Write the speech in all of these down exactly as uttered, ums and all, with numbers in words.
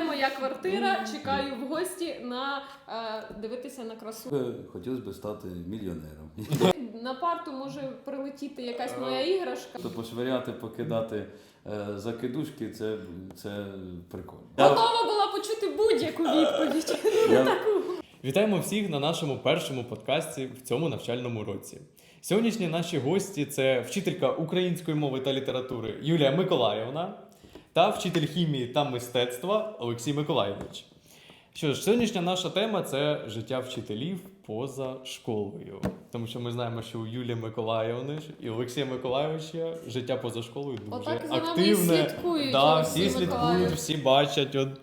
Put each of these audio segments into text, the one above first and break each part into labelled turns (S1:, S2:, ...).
S1: Це моя квартира, чекаю в гості на е, дивитися на красу.
S2: Хотілося б стати мільйонером.
S1: На парту може прилетіти якась моя іграшка.
S2: То пошвиряти, покидати е, закидушки, це, це прикольно.
S1: Готова була почути будь-яку відповідь.
S2: Я,
S3: Вітаємо всіх на нашому першому подкасті в цьому навчальному році. Сьогоднішні наші гості – це вчителька української мови та літератури Юлія Миколаївна та вчитель хімії та мистецтва Олексій Миколайович. Що ж, сьогоднішня наша тема – це життя вчителів поза школою. Тому що ми знаємо, що у Юлії Миколаївни і Олексія Миколайовича життя поза школою дуже
S1: Отак за нами і
S3: активне.
S1: слідкують,
S3: Да,
S1: Олексій
S3: всі слідкують,
S1: Миколайович.
S3: всі бачать. От.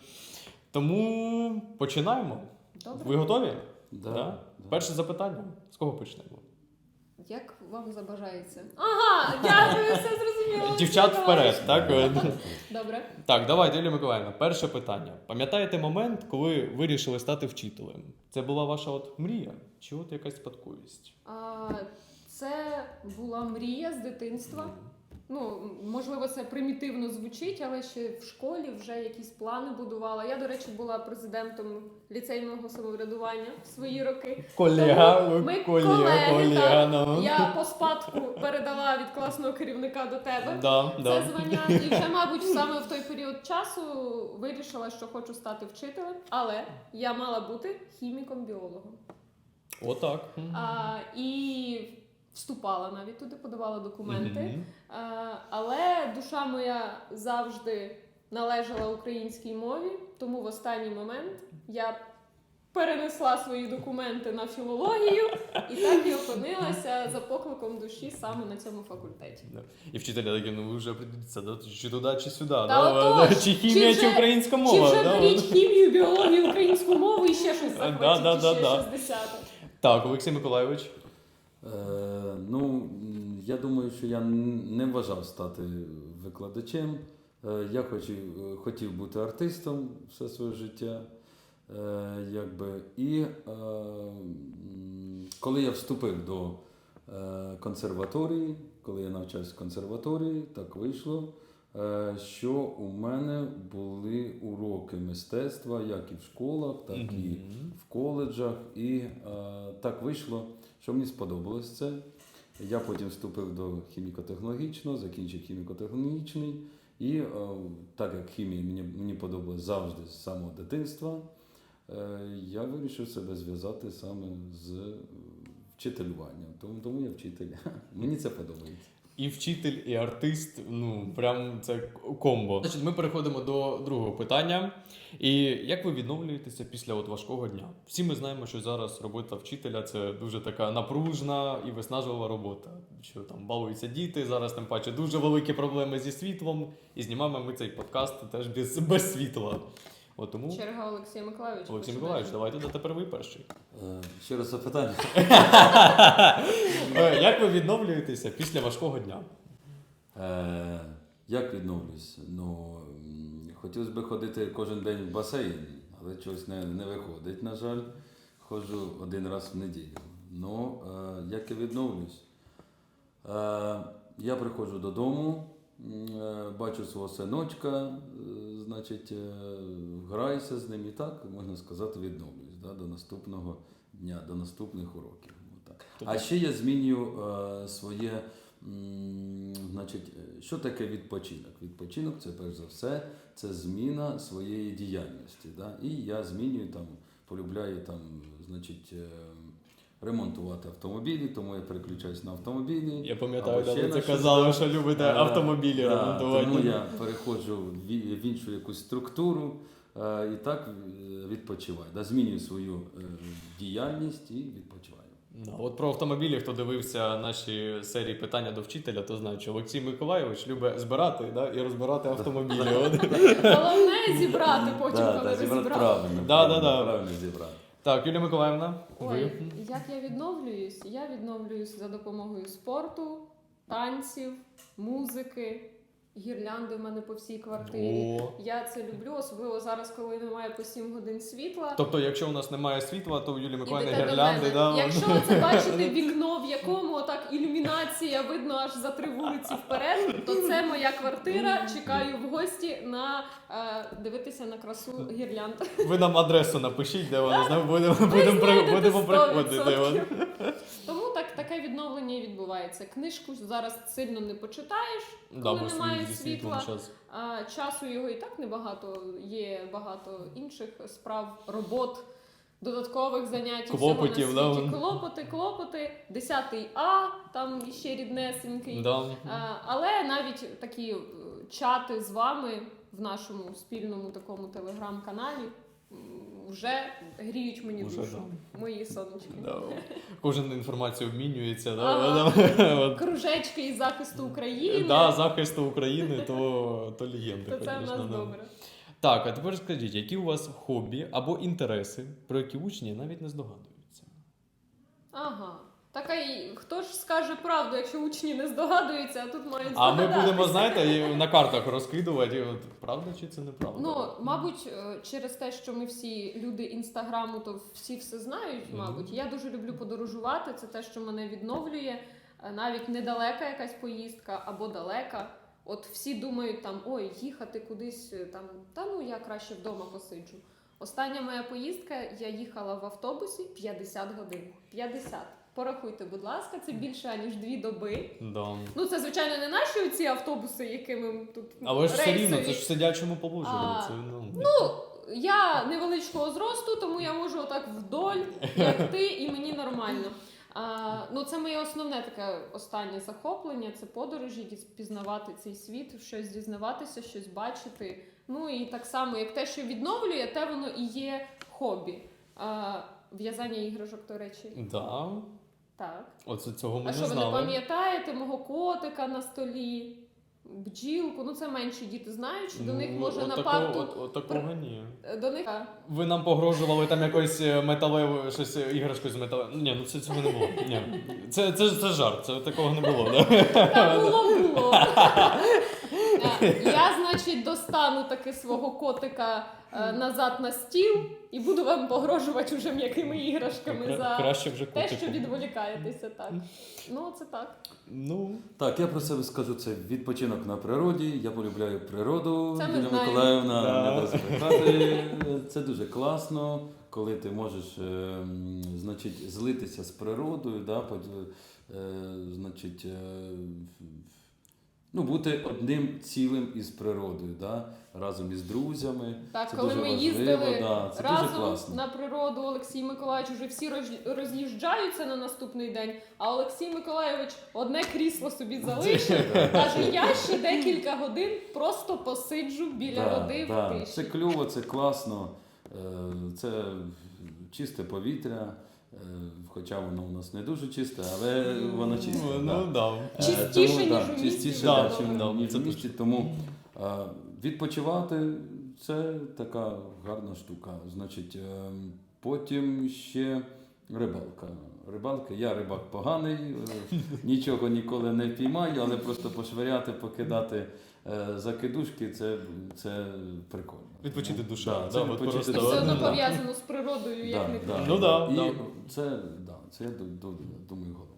S3: Тому починаємо.
S1: Добре.
S3: Ви готові?
S2: да,
S3: Да?
S2: да.
S3: Перше запитання. З кого почнемо?
S1: Як вам забажається? Ага, дякую, все зрозуміло.
S3: Дівчат вперед, так?
S1: Добре.
S3: Так, давайте, Юлія Миколаївна, перше питання. Пам'ятаєте момент, коли ви вирішили стати вчителем? Це була ваша от мрія? Чи от якась спадковість?
S1: А, це була мрія з дитинства. Ну, можливо, це примітивно звучить, але ще в школі вже якісь плани будувала. Я, до речі, була президентом ліцейного самоврядування в свої роки.
S3: Колега,
S1: Тому ми
S3: колега,
S1: колеги,
S3: колега,
S1: так.
S3: ну.
S1: Я по спадку передала від класного керівника до тебе
S3: Да,
S1: це
S3: да.
S1: звання. І вже, мабуть, саме в той період часу вирішила, що хочу стати вчителем, але я мала бути хіміком-біологом.
S3: Отак.
S1: А, і вступала навіть туди, подавала документи.
S3: Мгм.
S1: А, але душа моя завжди належала українській мові, тому в останній момент я перенесла свої документи на філологію і так і опинилася за покликом душі саме на цьому факультеті.
S3: Да. І вчителя такі, ну ви вже определіться, да? Чи туди, чи сюди.
S1: Та
S3: Да?
S1: отож,
S3: Чи хімія,
S1: чи
S3: чи,
S1: вже-
S3: українська
S1: Чи
S3: мова.
S1: вже
S3: да?
S1: беріть хімію, біологію, українську мову і ще щось захочуть,
S3: Да, да,
S1: і
S3: да,
S1: ще
S3: да.
S1: щось десяте.
S3: Так, Олексій Миколайович.
S2: Е, ну, м, я думаю, що я н- не вважав стати викладачем. Е, я хотів, хотів бути артистом все своє життя. Е, якби. І е, м, коли я вступив до е, консерваторії, коли я навчався в консерваторії, так вийшло, е, що у мене були уроки мистецтва, як і в школах, так і
S3: Мгм.
S2: в коледжах. І е, так вийшло, що мені сподобалось це. Я потім вступив до хіміко-технологічного, закінчив хіміко-технологічний. І е, так як хімія мені, мені подобалась завжди з самого дитинства, е, я вирішив себе зв'язати саме з вчителюванням. Тому, тому я вчитель. Мені це подобається.
S3: І вчитель, і артист, ну, прям це комбо. Значить, ми переходимо до другого питання. І як ви відновлюєтеся після от важкого дня? Всі ми знаємо, що зараз робота вчителя – це дуже така напружна і виснажлива робота. Що там балуються діти, зараз тим паче дуже великі проблеми зі світлом. І знімаємо ми цей подкаст теж без, без світла. От тому,
S1: Черга Олексія Миколайовича.
S3: Олексій
S1: починає.
S3: Миколаївич, давайте до тепер ви перший.
S2: Е, ще раз запитання.
S3: Е, Як ви відновлюєтеся після важкого дня?
S2: Е, як відновлюсь? Ну, м, хотілося б ходити кожен день в басейн, але чогось не, не виходить, на жаль. Ходжу один раз в неділю. Ну, е, як я відновлюсь? Е, я приходжу додому, м, е, бачу свого синочка, е, значить, е, граюся з ним і так, можна сказати, відновлюсь, да, до наступного дня, до наступних уроків. Отак. А ще я змінюю е, своє, м, значить, е, що таке відпочинок? Відпочинок це перш за все, це зміна своєї діяльності. Да? І я змінюю там, полюбляю там, значить, е, ремонтувати автомобілі, тому я переключаюсь на автомобілі.
S3: Я пам'ятаю,
S2: або
S3: да,
S2: ще
S3: ви
S2: на
S3: це
S2: щось,
S3: казали,
S2: да.
S3: що любите
S2: Е,
S3: автомобілі
S2: да,
S3: ремонтувати.
S2: Тому я переходжу в і- в іншу якусь структуру е, і так е, відпочиваю. Да, змінюю свою е, діяльність і відпочиваю.
S3: Да, от про автомобілі, хто дивився наші серії питання до вчителя, то знає, що Олексій Миколайович любить збирати, да, і розбирати автомобілі. От.
S1: Головне зібрати потім,
S2: Да,
S1: коли
S2: да, зібрати
S1: розібрати.
S2: правильно,
S3: Да,
S2: правильно,
S3: да, да.
S2: правильно зібрати.
S3: Так, Юлія Миколаївна,
S1: Ой,
S3: ви?
S1: як я відновлююсь? Я відновлююсь за допомогою спорту, танців, музики гірлянди в мене по всій квартирі.
S3: О.
S1: Я це люблю, особливо зараз, коли немає по сім годин світла.
S3: Тобто, якщо у нас немає світла, то у Юлії Миколаївни
S1: Ідете до
S3: гірлянди,
S1: мене.
S3: да?
S1: Якщо ви це бачите вікно, в якому отак ілюмінація видно аж за три вулиці вперед, то це моя квартира. Чекаю в гості на е, дивитися на красу гірлянд.
S3: Ви нам адресу напишіть, де вона знає, будемо,
S1: Ви
S3: будемо, при-
S1: знайдете
S3: будемо
S1: сто
S3: приходити.
S1: відсотків. Тому так таке відновлення і відбувається. Книжку зараз сильно не почитаєш,
S3: Да,
S1: коли
S3: бо
S1: немає
S3: зі світлом
S1: світла.
S3: час.
S1: А часу його і так небагато. Є багато інших справ, робот, додаткових занять.
S3: Клопотів,
S1: всього на світі.
S3: да.
S1: Клопоти, клопоти, десятий А, там ще ріднесенький.
S3: Да.
S1: А, але навіть такі е, чати з вами в нашому спільному такому телеграм-каналі м, вже гріють мені
S3: Уже,
S1: душу.
S3: да.
S1: Мої сонечки.
S3: Да. Кожен інформацію обмінюється. Да?
S1: Ага.
S3: От.
S1: Кружечки із захисту України.
S3: Да, захисту України, то, то легенди,
S1: То це в
S3: конечно,
S1: нас
S3: да.
S1: добре.
S3: Так, а тепер скажіть, які у вас хобі або інтереси, про які учні навіть не здогадуються?
S1: Ага. Так а й хто ж скаже правду, якщо учні не здогадуються, а тут мають
S3: А ми
S1: здогадатися.
S3: будемо, знаєте, і на картах розкидувати, і от, правда чи це неправда?
S1: Ну, мабуть, е, через те, що ми всі люди інстаграму, то всі все знають,
S3: Мгм.
S1: мабуть. Я дуже люблю подорожувати, це те, що мене відновлює. Е, Навіть недалека якась поїздка або далека. От всі думають там, ой, їхати кудись е, там, та ну я краще вдома посиджу. Остання моя поїздка, я їхала в автобусі п'ятдесят годин. п'ятдесят. Порахуйте, будь ласка, це більше, аніж дві доби.
S3: Да.
S1: Ну, це, звичайно, не наші оці автобуси, якими тут
S3: Але ж все рівно,
S1: рейсові.
S3: це ж в сидячому положенні.
S1: А,
S3: Це, ну,
S1: Ну, я невеличкого зросту, тому я можу отак вдоль, як ти, і мені нормально. А, ну, це моє основне таке останнє захоплення, це подорожі, діз- пізнавати цей світ, щось дізнаватися, щось бачити. Ну і так само, як те, що відновлює, те воно і є хобі. А, в'язання іграшок, до речі.
S3: да.
S1: Так.
S3: Оце цього ми
S1: А
S3: не
S1: що, ви не
S3: знали.
S1: пам'ятаєте мого котика на столі? Бджілку, ну це менші діти знають, що до них
S3: Ну,
S1: може
S3: от
S1: на
S3: такого-
S1: парту.
S3: От, от такого ні.
S1: До них
S3: Ви нам погрожували там якоюсь е, металевою, щось е, іграшкою з металевою. Ні, ну це цього не було. Ні. Це, це, це жарт, це такого не було. Да?
S1: та було було. Е, Я, значить, достану таки свого котика е, назад на стіл і буду вам погрожувати уже м'якими іграшками
S3: Кра-
S1: за
S3: Краще вже
S1: те, що
S3: котику.
S1: відволікаєтеся. Так. Ну, це так.
S3: Ну,
S2: Так, я про себе скажу, це відпочинок на природі. Я полюбляю природу.
S1: Це ми
S2: Юлія
S1: знаємо.
S2: Миколаївна
S3: Да.
S2: не дасть брехати. Це дуже класно, коли ти можеш е, м, значить, злитися з природою, да, под- е, значить, е, ну, бути одним цілим із природою, да, разом із друзями.
S1: Так,
S2: Це
S1: коли
S2: дуже
S1: ми
S2: важливо,
S1: їздили
S2: да, це дуже
S1: разом
S2: класно.
S1: на природу, Олексій Миколаївич вже всі роз- роз'їжджаються на наступний день, а Олексій Миколаївич одне крісло собі залишив. Каже, я ще декілька годин просто посиджу біля
S2: Да,
S1: води
S2: да.
S1: в
S2: Це
S1: тиші.
S2: кльово, це класно, е, це чисте повітря, е, хоча воно у нас не дуже чисте, але воно чисте.
S3: ну,
S2: да.
S3: ну да.
S2: Е,
S1: Чистіше,
S2: тому,
S1: ніж
S2: да,
S1: у місті,
S2: чистіше,
S3: да,
S2: да,
S3: чим,
S2: чим,
S3: да,
S2: ніж
S3: це
S2: у місті. Тому е, відпочивати це така гарна штука. Значить, е, потім ще рибалка. Рибалка, я рибак поганий, е, нічого ніколи не впіймаю, але просто пошвиряти, покидати е, закидушки, це, це прикольно.
S3: Відпочити
S2: Ну,
S3: душа,
S2: Да,
S3: да,
S2: це
S3: от
S2: відпочити
S3: просто-
S1: Це
S2: душа.
S1: все одно
S3: да.
S1: пов'язано з природою, як
S2: Да,
S1: не
S2: да.
S1: крути.
S3: Ну да,
S2: І
S3: да.
S2: це, да, це я ду- ду- думаю головне.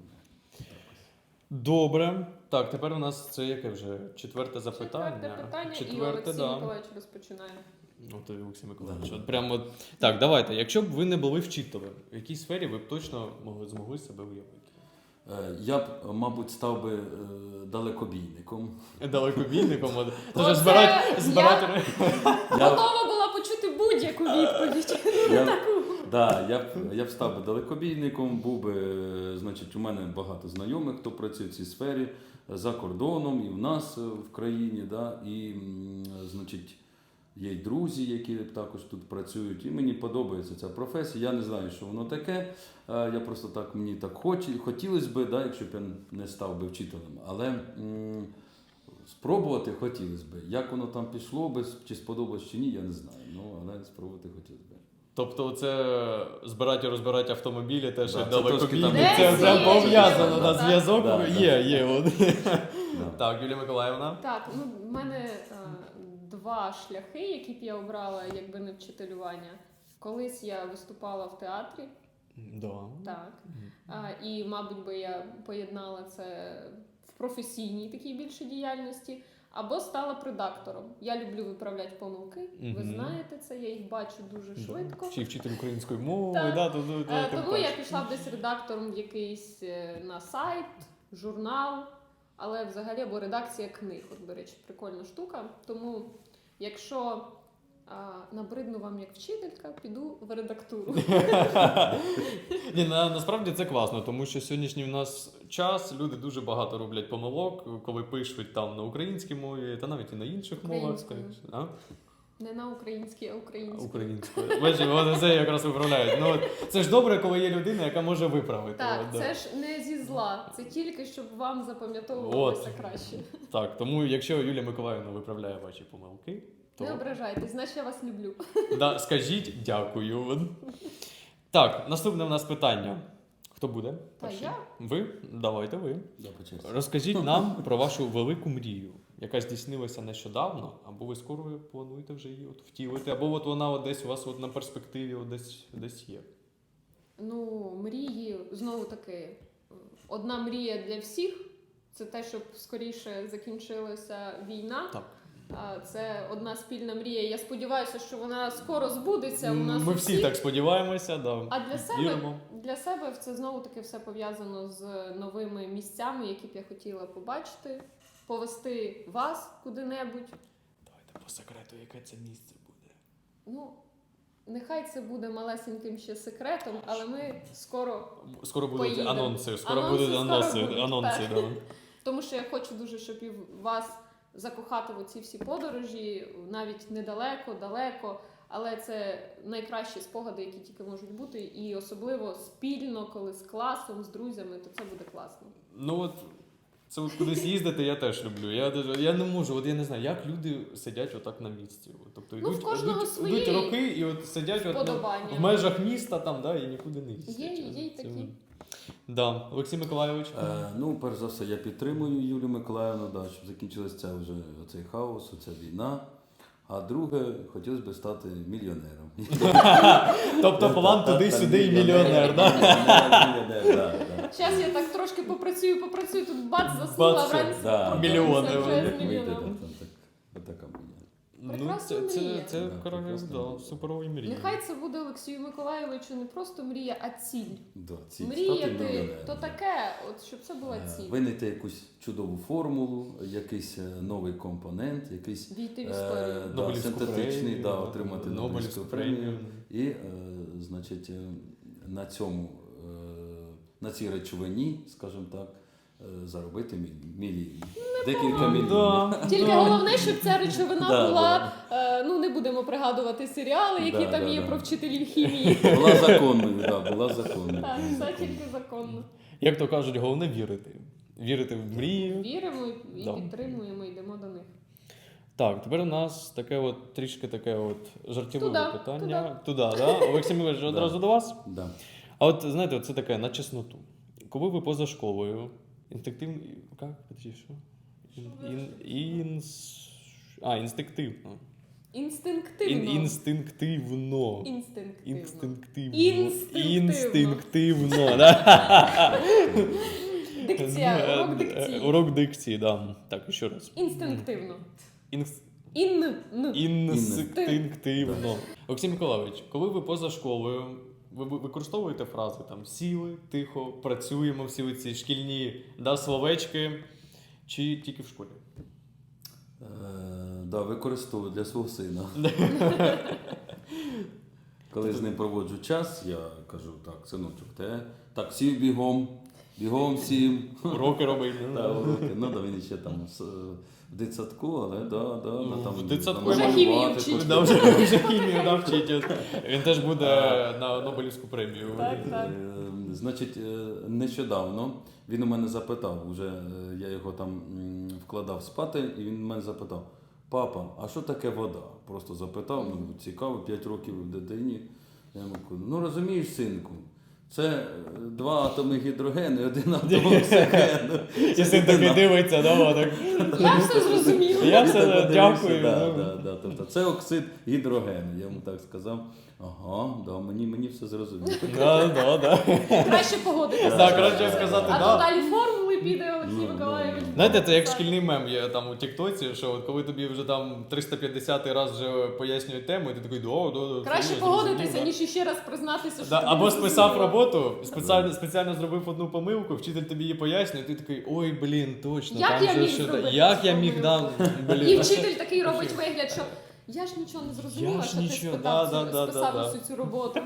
S3: Добре. Так, тепер у нас це яке вже четверте запитання.
S1: Четверте питання, і
S3: Четверте,
S1: Олексій
S3: да.
S1: Миколаївич розпочинає.
S3: От і Олексій Миколаївич.
S2: Да.
S3: От прямо от... Так, давайте. Якщо б ви не були вчителем, в якій сфері ви б точно могли змогли себе уявити?
S2: Е, Я б, мабуть, став би е, далекобійником.
S3: Далекобійником, от. Це
S1: Оце
S3: ж збирати,
S1: я-
S3: збирати.
S2: Я,
S1: Готова була почути будь-яку відповідь.
S2: я, да, я, б, я б став би далекобійником, був би, е, значить, у мене багато знайомих, хто працює в цій сфері за кордоном і в нас е, в країні, да, і, м, значить, є й друзі, які також тут працюють, і мені подобається ця професія. Я не знаю, що воно таке. Е, Я просто так, мені так хоч, хотілося б, да, якщо б я не став би вчителем. Але м, спробувати хотілося б. Як воно там пішло би, чи сподобалось, чи ні, я не знаю. Ну, але спробувати хотілося б.
S3: Тобто це збирати і розбирати автомобілі, теж
S2: Да,
S3: як
S2: це трошки
S3: далекобійник.
S2: там
S3: Це
S1: Десь
S3: вже
S1: є,
S3: пов'язано,
S1: є,
S3: да,
S1: так.
S3: зв'язок
S2: Да,
S3: є, є. От.
S2: Да.
S3: Так, Юлія Миколаївна.
S1: Так, ну в мене е, два шляхи, які б я обрала, якби не вчителювання. Колись я виступала в театрі,
S3: Да.
S1: так. А, і, мабуть, би я поєднала це в професійній такій більше діяльності, або стала редактором. Я люблю виправляти помилки. Ви
S3: Мгм.
S1: знаєте це, я їх бачу дуже швидко.
S3: Чи вчитель української мови,
S1: Так.
S3: да, то, то, то,
S1: Е,
S3: тим
S1: Тому я
S3: паче.
S1: пішла б десь редактором в якийсь е, на сайт, журнал, але взагалі або редакція книг. От, до речі, прикольна штука. Тому, якщо а, набридну вам як вчителька, піду в редактуру.
S3: Ні, на, насправді це класно, тому що сьогоднішній в нас час, люди дуже багато роблять помилок, коли пишуть там на українській мові, та навіть і на інших мовах.
S1: Українською.
S3: А?
S1: Не на українській, а українській.
S3: Українською. Бачите, вони це якраз виправляють. Ну, от, це ж добре, коли є людина, яка може виправити.
S1: Так,
S3: От, да.
S1: це ж не зі зла, це тільки щоб вам запам'ятовувалося
S3: От.
S1: краще.
S3: Так, тому якщо Юлія Миколаївна виправляє ваші помилки, то
S1: Не ображайтесь, значить я вас люблю.
S3: да, скажіть дякую. Так, наступне в нас питання. Хто буде?
S1: Та
S3: перший?
S1: я?
S3: Ви? Давайте ви.
S2: Да, по черзі.
S3: Розкажіть нам про вашу велику мрію, яка здійснилася нещодавно, або ви скоро плануєте вже її от втілити, або от вона от десь у вас от на перспективі от десь, десь є.
S1: Ну, мрії, знову таки, одна мрія для всіх це те, щоб скоріше закінчилася війна.
S3: Так.
S1: А, Це одна спільна мрія. Я сподіваюся, що вона скоро збудеться у нас.
S3: Ми
S1: у
S3: всі
S1: всіх.
S3: так сподіваємося, да.
S1: А для себе,
S3: Віримо.
S1: для себе це знову таки все пов'язано з новими місцями, які б я хотіла побачити, повести вас куди-небудь.
S3: Давайте по секрету, яке це місце буде.
S1: Ну, нехай це буде малесеньким ще секретом, але ми скоро.
S3: Скоро будуть
S1: Поїдемо.
S3: анонси, скоро
S1: Анонси
S3: будуть
S1: скоро
S3: анонси,
S1: будуть,
S3: анонси,
S1: так.
S3: да.
S1: Тому що я хочу дуже, щоб і вас закохати в оці всі подорожі, навіть недалеко, далеко. Але це найкращі спогади, які тільки можуть бути. І особливо спільно, коли з класом, з друзями, то це буде класно.
S3: Ну от це от кудись їздити я теж люблю. Я даже я не можу, от я не знаю, як люди сидять отак на місці. От, тобто
S1: Ну, в
S3: йдуть,
S1: кожного
S3: йдуть,
S1: свої
S3: йдуть роки і от сидять от, ну,
S1: вподобання.
S3: в межах міста там, да, і нікуди не їздять.
S1: Є, є й
S3: Це-
S1: такі.
S3: Да. Олексій Миколайович.
S2: Е, ну, перш за все, я підтримую Юлію Миколаївну, да, щоб закінчилася ця вже оцей хаос, оця війна. А друге, хотілося б стати мільйонером.
S3: Тобто план туди-сюди і мільйонер, да?
S2: Мільйонер, да, да.
S1: Зараз я так трошки попрацюю, попрацюю, тут бац, заснула,
S3: Бац,
S1: вранці
S2: да.
S1: прокинулася
S3: Мільйони
S1: вже
S3: вони.
S1: з
S2: Як вийде, да,
S1: мільйоном.
S2: там так, отака мрія.
S3: Ну,
S1: Прекрасна
S3: це, це,
S1: мрія.
S3: це,
S2: Да,
S3: королев,
S2: прекрасна
S3: да,
S2: мрія.
S3: суперові мрії.
S1: Нехай це буде Олексію Миколайовичу не просто мрія, а ціль.
S2: Да, ці стати
S1: Мріяти
S2: мільйонером.
S1: то таке, от щоб це була
S2: Е,
S1: ціль.
S2: Винайти якусь чудову формулу, якийсь е, новий компонент, якийсь
S1: Війти в
S2: е,
S1: історію.
S2: да,
S3: Нобелівську
S2: синтетичний,
S3: премію,
S2: да, отримати
S3: Нобелівську
S2: Нобелівську
S3: премію.
S2: премію. І, е, значить, е, на цьому, е, на цій речовині, скажімо так, е, заробити міль- мільйон. Декілька
S3: Ну,
S2: мільйонів.
S3: да,
S1: Тільки
S3: да.
S1: головне, щоб ця речовина
S2: Да,
S1: була, е, ну не будемо пригадувати серіали, які
S2: Да,
S1: там
S2: да,
S1: є
S2: да.
S1: про вчителів хімії.
S2: Була законною, да, була законною.
S1: Так,
S2: була
S1: все
S2: законною.
S1: тільки законно.
S3: Як то кажуть, головне вірити. Вірити в мрії.
S1: Віримо і
S3: Да.
S1: підтримуємо, йдемо до них.
S3: Так, тепер у нас таке от трішки таке от жартівливе
S1: Туда,
S3: питання. Туди, да? Олексій Миколаївич, одразу до вас.
S2: Да.
S3: А от знаєте, це таке на чесноту. Коли ви поза школою, інстинктивно. Як? Подожди, що? Ін, ін, інс... А, інстинктивно.
S1: Інстинктивно.
S3: Ін, інстинктивно.
S1: Інстинктивно.
S3: Інстинктивно.
S1: Інстинктивно.
S3: Інстинктивно, да.
S1: Дикція, урок
S3: Е,
S1: дикції.
S3: Урок дикції, да. Так, ще раз.
S1: Інстинктивно.
S3: Інс...
S1: Ін. н.
S3: Інстинктивно. Олексій Миколайович, коли ви поза школою, ви ви використовуєте фрази там сіли, тихо, працюємо, всі ці шкільні да, словечки, чи тільки в школі?
S2: Е, да, використовую для свого сина. Коли з ним проводжу час, я кажу, так, синочок, те, так, сів бігом, бігом сів.
S3: Уроки робити.
S2: Да, уроки. Ну, да, він ще там з- в дитсадку, але да, да,
S3: Ну,
S2: ну, там
S3: в дитсадку
S2: намалювати
S1: Вже хімію
S2: трохи.
S1: вчить.
S3: Да, вже, вже хімію навчить. Він теж буде на Нобелівську премію.
S1: Так, так.
S2: Е, Значить, е, нещодавно він у мене запитав, уже е, я його там м, вкладав спати, і він мене запитав: папа, а що таке вода? Просто запитав, ну цікаво, п'ять років в дитині. Я йому кажу, ну розумієш, синку, Це е, два атоми гідрогену і один атом оксигену.
S3: І син такий дивиться, да, так.
S1: Я все зрозуміла.
S3: Я
S2: Ти
S3: все
S2: так подивився,
S3: дякую.
S2: Да,
S3: ну.
S2: да, да. Тобто це оксид гідрогену. Я йому так сказав. Ага, да, мені, мені все зрозуміло.
S3: Да, да, да.
S1: Краще погодитися.
S3: Так, краще сказати,
S1: А
S3: да.
S1: то далі формули піде Олексій
S2: Ну,
S1: Миколаївич.
S2: ну,
S3: Знаєте, це як шкільний мем є там у Тіктоці, що от коли тобі вже там триста п'ятдесятий раз вже пояснюють тему, і ти такий, да, да, да.
S1: Краще
S3: це
S1: погодитися,
S3: зрозуміло».
S1: ніж іще раз признатися, що
S3: Да,
S1: тобі
S3: або
S1: не
S3: списав
S1: зрозуміло.
S3: роботу, спеціально, спеціально зробив одну помилку, вчитель тобі її пояснює, і ти такий, ой, блін, точно,
S1: Як
S3: там
S1: я
S3: же
S1: міг
S3: що-
S1: зробити
S3: як
S1: цю
S3: я міг, да,
S1: помилку?
S3: блін.
S1: І вчитель такий робить вигляд, що я ж нічого не зрозуміла,
S3: Я ж
S1: що ти
S3: нічого,
S1: спитав,
S3: да,
S1: цю-
S3: да, да,
S1: списав
S3: да, да.
S1: всю цю роботу.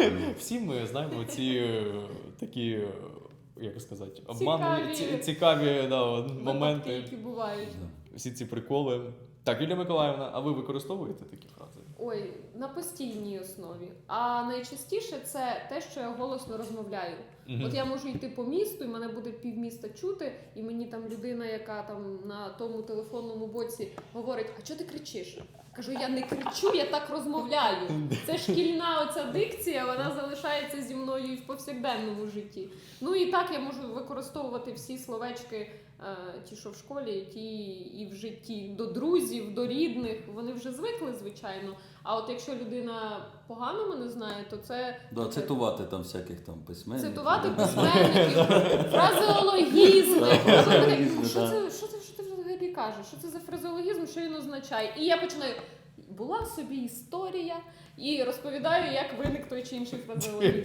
S3: Всі ми знаємо ці е, такі, е, як сказати, обманні,
S1: Цікаві.
S3: ці- цікаві да, от
S1: Випадки,
S3: моменти,
S1: які бувають.
S3: всі ці приколи. Так, Юлія Миколаївна, а ви використовуєте такі фрази?
S1: Ой, на постійній основі. А найчастіше це те, що я голосно розмовляю.
S3: Мгм.
S1: От я можу йти по місту, і мене буде півміста чути, і мені там людина, яка там на тому телефонному боці говорить: а чого ти кричиш? Кажу, я не кричу, я так розмовляю. Це шкільна оця дикція, вона залишається зі мною і в повсякденному житті. Ну і так я можу використовувати всі словечки, е, ті, що в школі, ті і в житті, до друзів, до рідних. Вони вже звикли, звичайно. А от якщо людина погано мене знає, то це
S2: Да, цитувати там всяких там письменників.
S1: цитувати
S2: да.
S1: письменників, фразеологізми.
S2: Фразеологізми,
S1: Що
S2: да.
S1: це, що це, що ти взагалі кажеш? Що це за фразеологізм, що він означає? І я починаю. Була собі історія і розповідаю, як виник той чи інший фразеологізм.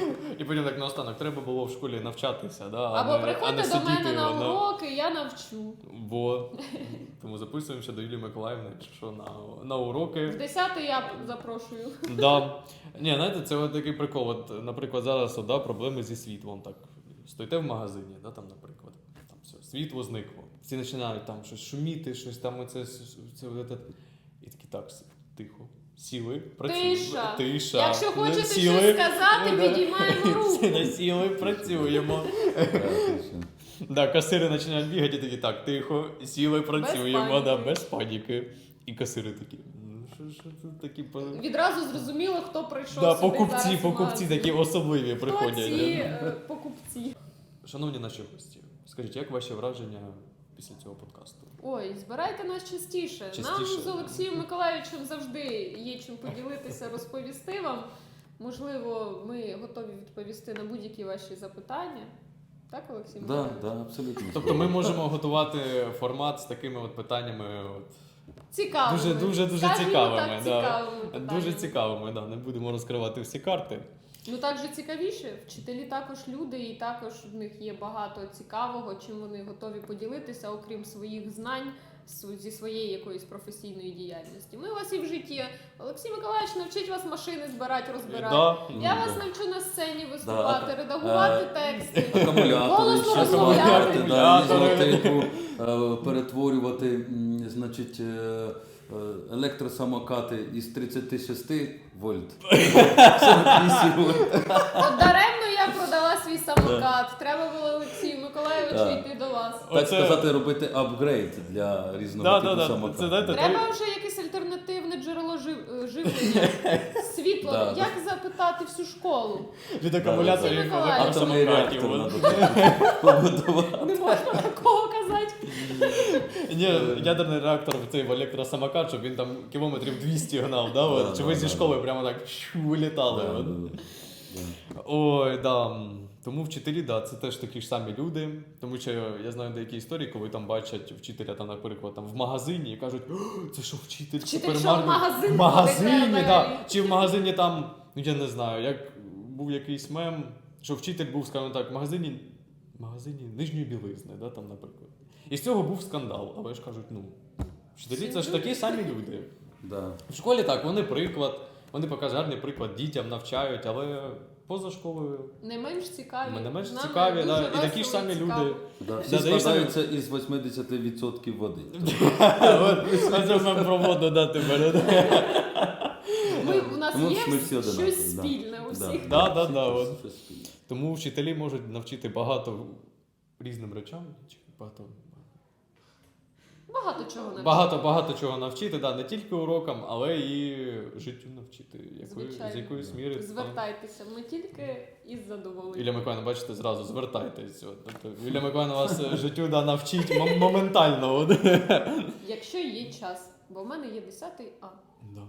S3: І потім так наостанок, треба було в школі навчатися, да, а
S1: Або
S3: не, а не
S1: приходьте до
S3: сидіти,
S1: мене на
S3: воно-
S1: уроки, я навчу.
S3: Бо тому записуємося до Юлії Миколаївни, якщо що, на, на
S1: В
S3: уроки.
S1: десятий я запрошую.
S3: Да. Ні, знаєте, це от такий прикол. От, наприклад, зараз от, да, проблеми зі світлом. Так, стоїте в магазині, да, там, наприклад, там все, світло зникло. Всі починають там щось шуміти, щось там оце, це, це, це, і такі так, тихо. Сіли, працюємо.
S1: Тиша.
S3: Тиша.
S1: Якщо хочете
S3: Сіли.
S1: щось сказати,
S3: Да.
S1: підіймаємо руку.
S3: Всі насіли, працюємо.
S2: Так, точно.
S3: Да, касири починають бігати, і такі так, тихо, сіли, працюємо,
S1: паніки.
S3: да, без паніки. І касири такі. Ну, що, що це такі по...
S1: Відразу зрозуміло, хто прийшов
S3: Да,
S1: собі
S3: покупці,
S1: зараз в
S3: покупці
S1: магазин.
S3: такі особливі
S1: Хто
S3: приходять.
S1: ці е, покупці?
S3: Шановні наші гості, скажіть, як ваші враження після цього подкасту?
S1: Ой, збирайте нас частіше. Нам
S3: Частіше.
S1: з Олексієм Миколаївичем завжди є чим поділитися, розповісти вам. Можливо, ми готові відповісти на будь-які ваші запитання. Так, Олексій
S2: Да,
S1: Миколаївич?
S2: да, абсолютно.
S3: Тобто ми можемо готувати формат з такими от питаннями, от,
S1: Цікавими.
S3: Дуже, дуже, дуже
S1: Скажімо
S3: цікавими,
S1: Так,
S3: да.
S1: цікавими
S3: дуже
S1: питаннями.
S3: цікавими, да, не будемо розкривати всі карти.
S1: Ну так же цікавіше. Вчителі також люди, і також в них є багато цікавого, чим вони готові поділитися, окрім своїх знань св- зі своєї якоїсь професійної діяльності. Ми у вас і в житті. Олексій Миколаївич навчить вас машини збирати, розбирати.
S3: Да.
S1: Я
S2: Ну,
S1: вас
S2: да.
S1: навчу на сцені виступати,
S2: Да.
S1: редагувати
S2: Е,
S1: тексти.
S2: Акумулятори,
S1: Голосно
S2: ще
S1: розмовляти.
S2: акумулятори, да,
S3: Акумулятори.
S2: ізотипу, е, перетворювати, м, значить, е, е, електросамокати із тридцять шість вольт. сорок вісім вольт.
S1: От даремно я продала свій самокат. Треба було Олексію Миколаївичу
S2: Да.
S1: йти до вас.
S2: Так
S3: Оце-
S2: сказати, робити апгрейд для різного
S3: Да,
S2: типу
S3: да, да.
S2: самокату.
S3: Це, знаєте,
S1: Треба вже якесь альтернативне джерело жив- е, живлення. Світло.
S2: Да.
S1: Як запитати всю школу?
S3: від акумуляторів
S1: Олексій
S3: до
S1: Миколаївич.
S2: Атомний
S3: самокатів.
S2: реактор
S3: от.
S2: треба побудувати.
S1: Не можна такого казати.
S3: Ні, ядерний реактор в цей в електросамокат, щоб він там кілометрів двісті гнав, да? от?
S2: Да,
S3: Чи
S2: да,
S3: ви зі
S2: да.
S3: школи прямо так щу, вилітали.
S2: Да,
S3: от?
S2: да, да.
S3: Ой, да. Тому вчителі, да, це теж такі ж самі люди. Тому що я знаю деякі історії, коли там бачать вчителя, там, наприклад, там в магазині і кажуть, «О, це що вчитель?
S1: Вчитель,
S3: супермаркет?»
S1: що в магазин
S3: В магазині,
S1: ходить,
S3: да.
S1: реально.
S3: Чи в магазині там, ну я не знаю, як був якийсь мем, що вчитель був, скажімо так, в магазині, в магазині нижньої білизни, да, там, наприклад. І з цього був скандал. Але ж кажуть, ну, вчителі це ж такі самі люди.
S2: Да.
S3: В школі так, вони приклад, вони показують гарний приклад, дітям навчають, але поза школою
S1: Не менш цікаві.
S3: Ми не менш
S1: Нам
S3: цікаві,
S1: дуже
S3: да, і
S1: весело
S3: такі ж самі
S1: цікаво.
S3: люди.
S2: Да, всі
S3: Да, да, і
S2: складаються із вісімдесят відсотків води.
S3: Оце ми про воду дати бере.
S1: Ми, у нас
S2: Тому
S1: є
S2: ми всі одинакові,
S1: щось
S2: да.
S1: спільне у
S2: Да.
S1: всіх.
S3: Да, да, да, от.
S2: Щось спільне.
S3: Тому вчителі можуть навчити багато різним речам. Чи багато...
S1: Багато чого навчити.
S3: Багато, багато чого навчити, да, не тільки урокам, але і життю навчити. Якої,
S1: Звичайно.
S3: з якоїсь міри. там.
S1: Звертайтеся, ми тільки із задоволенням.
S3: Юлія Миколаївна, бачите, зразу звертайтесь. От, тобто, Юлія Миколаївна вас життю да, навчить мом- моментально. От.
S1: Якщо є час, бо в мене є десятий А.
S3: Да.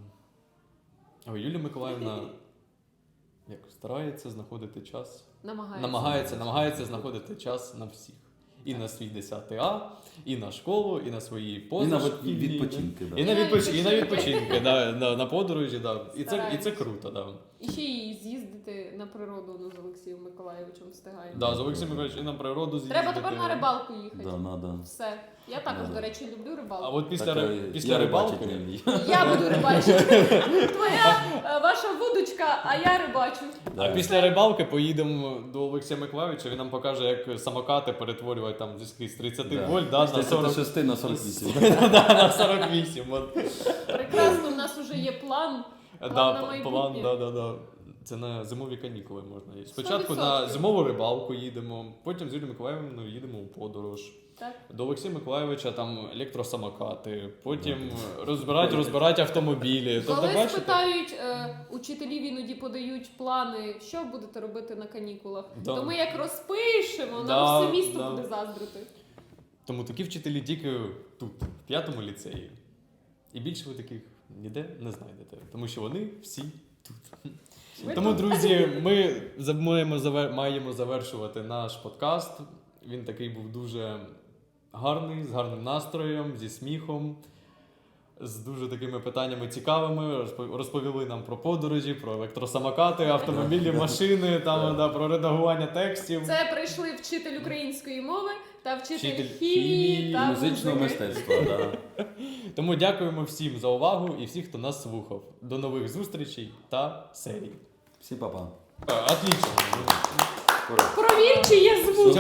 S3: А Юлія Миколаївна як старається знаходити час.
S1: Намагається.
S3: Намагається, намагається знаходити час на всіх. І на свій десятий А, і на школу, і на свої
S2: І на
S3: подорожі.
S2: від- відпочинки.
S3: І
S2: Да.
S3: на, відпоч... і на
S1: відпочинки.
S3: відпочинки, да, на, на подорожі, да. І, це, і це
S1: Стараємось.
S3: круто, да.
S1: І ще й з'їздити на природу ну, з Олексієм Миколайовичем встигаємо.
S3: Да, з Олексієм Миколаївичем і на природу з'їздити.
S1: Треба тепер на рибалку їхати.
S2: Да, надо.
S1: Все. Я також,
S2: Да.
S1: до речі, люблю рибалку.
S3: А от після,
S2: Так,
S3: ри-
S2: е,
S3: після
S2: я
S3: рибалки...
S2: рибачити не вмію.
S1: Я буду рибачити. Твоя, е, ваша вудочка, а я рибачу.
S3: А
S2: Да.
S3: після рибалки поїдемо до Олексія Миколайовича, він нам покаже, як самокати перетворювати там з тридцять
S2: Да.
S3: вольт да,
S2: З
S3: на сорок.
S2: тридцять шість на сорок вісім.
S3: Да, на сорок вісім. От.
S1: Прекрасно, у нас вже є план. План
S3: Да,
S1: на
S3: п-
S1: майбутнє.
S3: план, да, да, да. Це на зимові канікули можна їсти. Спочатку
S1: сто
S3: на
S1: відсотків.
S3: зимову рибалку їдемо, потім з Юлією Миколаївною їдемо у подорож.
S1: Так.
S3: До Олексія Миколайовича там електросамокати, потім розбирати, розбирати автомобілі. Тобто,
S1: Коли
S3: бачите?
S1: спитають, е, учителів іноді подають плани, що будете робити на канікулах,
S3: Да.
S1: то ми як розпишемо,
S3: Да,
S1: нам все місто
S3: да.
S1: буде заздрити.
S3: Тому такі вчителі тільки тут, в п'ятому ліцеї. І більше ви таких ніде не знайдете, тому що вони всі тут.
S1: Ми
S3: Тому,
S1: тут.
S3: друзі, ми за- маємо, завер- маємо завершувати наш подкаст. Він такий був дуже гарний, з гарним настроєм, зі сміхом, з дуже такими питаннями цікавими. Розпо- Розповіли нам про подорожі, про електросамокати, автомобілі, машини, там, да, про редагування текстів.
S1: Це прийшли вчитель української мови та вчитель,
S3: Вчитель
S1: хімії
S3: хімії,
S1: та
S2: Музичного
S1: музики.
S2: мистецтва. Да.
S3: Тому дякуємо всім за увагу і всіх, хто нас слухав. До нових зустрічей та серій.
S2: Всім па-па.
S3: Е, Отлично.
S2: Ура.
S1: Провір, чи є звук.